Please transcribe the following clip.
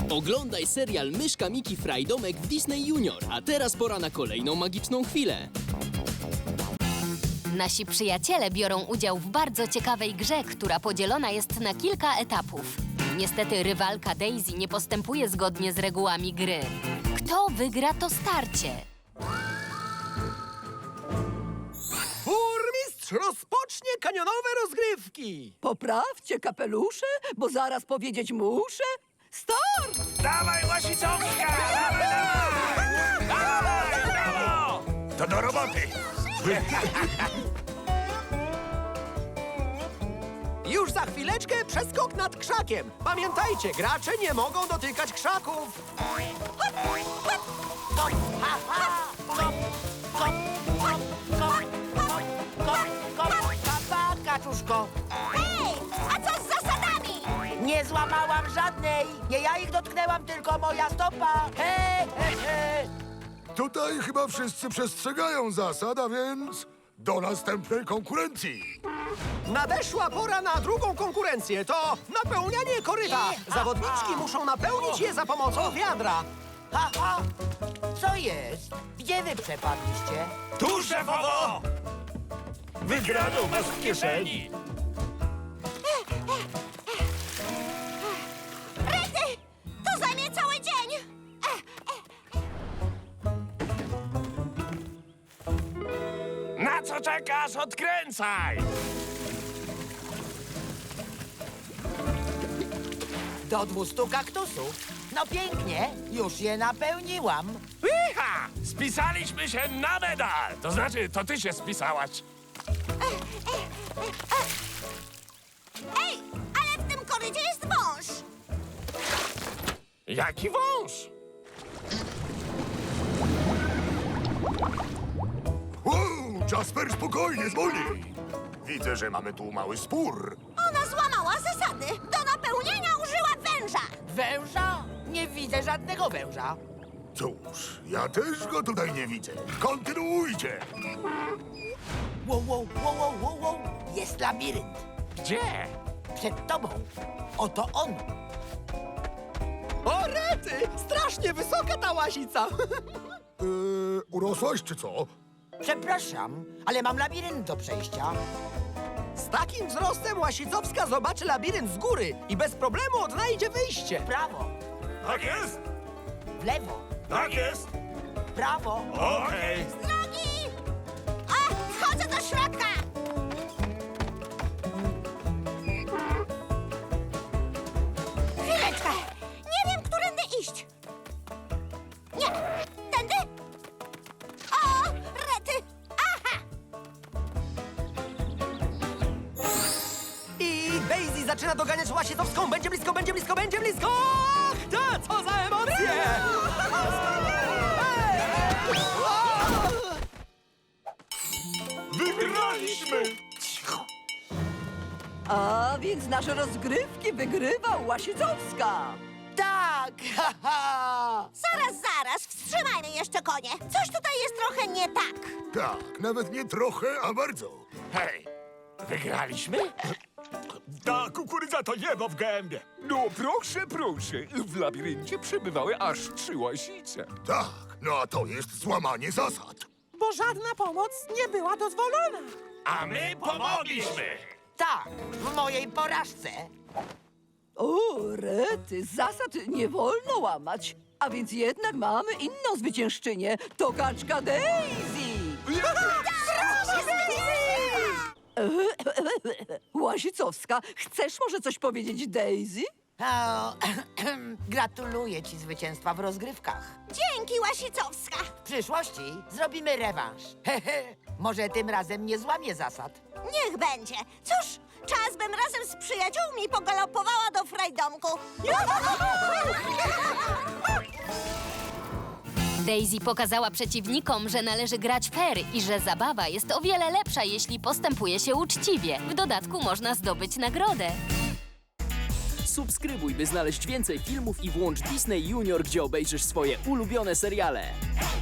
Oglądaj serial Myszka Miki Frajdomek w Disney Junior. A teraz pora na kolejną magiczną chwilę. Nasi przyjaciele biorą udział w bardzo ciekawej grze, która podzielona jest na kilka etapów. Niestety rywalka Daisy nie postępuje zgodnie z regułami gry. Kto wygra to starcie? Burmistrz rozpocznie kanionowe rozgrywki! Poprawcie kapelusze, bo zaraz powiedzieć muszę. Start! Dawaj, Łasicowska! Dawaj, dawaj! Dawaj, brawo! To do roboty! Już za chwileczkę przeskok nad krzakiem. Pamiętajcie, gracze nie mogą dotykać krzaków. Papa, kaczuszko. Hej, a co z zasadami? Nie złamałam żadnej. Nie ja ich dotknęłam, tylko moja stopa. He, he, he. Tutaj chyba wszyscy przestrzegają zasad, a więc do następnej konkurencji. Nadeszła pora na drugą konkurencję. To napełnianie koryta. Zawodniczki muszą napełnić je za pomocą wiadra. Ha, ha. Co jest? Gdzie wy przepadliście? Tu, szefowo! Wygraną masz w kieszeni! Rety, to zajmie cały dzień. Na co czekasz? Odkręcaj! Do 200 kaktusów. No pięknie, już je napełniłam. Iha! Spisaliśmy się na medal! To znaczy, to ty się spisałaś. Ej, ale w tym korycie jest wąż. Jaki wąż? Jasper, spokojnie, zwolnij. Widzę, że mamy tu mały spór. Ona złamała zasady. Do napełnienia użyła węża. Węża? Nie widzę żadnego węża. Cóż, ja też go tutaj nie widzę. Kontynuujcie. Wow, wow, wow, wow, wow, wow. Jest labirynt. Gdzie? Przed tobą. Oto on. O, Rety! Strasznie wysoka ta łasica. Urosłaś czy co? Przepraszam, ale mam labirynt do przejścia. Z takim wzrostem Łasicowska zobaczy labirynt z góry i bez problemu odnajdzie wyjście. W prawo, Tak jest? w lewo, Tak jest? w prawo. Okej. Drogi! A, wchodzę do środka. Chwileczkę. Nie wiem, którędy iść. Nie, tędy? O, Rety! Aha! I Daisy zaczyna doganiać Łasicowską. Będzie blisko, będzie blisko, będzie blisko! Ach, ta, co za emocje! Wygraliśmy! A więc nasze rozgrywki wygrywa Łasicowska. Tak, haha. Zaraz, wstrzymajmy jeszcze konie. Coś tutaj jest trochę nie tak. Tak, nawet nie trochę, a bardzo. Hej, wygraliśmy? Ta kukurydza to niebo w gębie. No proszę, proszę. W labiryncie przebywały aż 3 łasice. Tak, no a to jest złamanie zasad. Bo żadna pomoc nie była dozwolona. A my pomogliśmy! Tak, w mojej porażce. O, Rety, zasad nie wolno łamać. A więc jednak mamy inną zwyciężczynię. To kaczka Daisy. Łasicowska, chcesz może coś powiedzieć Daisy? O, gratuluję ci zwycięstwa w rozgrywkach. Dzięki, Łasicowska. W przyszłości zrobimy rewanż. Może tym razem nie złamię zasad. Niech będzie. Cóż, czas bym razem z przyjaciółmi pogalopowała do frajdomku. Daisy pokazała przeciwnikom, że należy grać fair i że zabawa jest o wiele lepsza, jeśli postępuje się uczciwie. W dodatku można zdobyć nagrodę. Subskrybuj, by znaleźć więcej filmów i włącz Disney Junior, gdzie obejrzysz swoje ulubione seriale.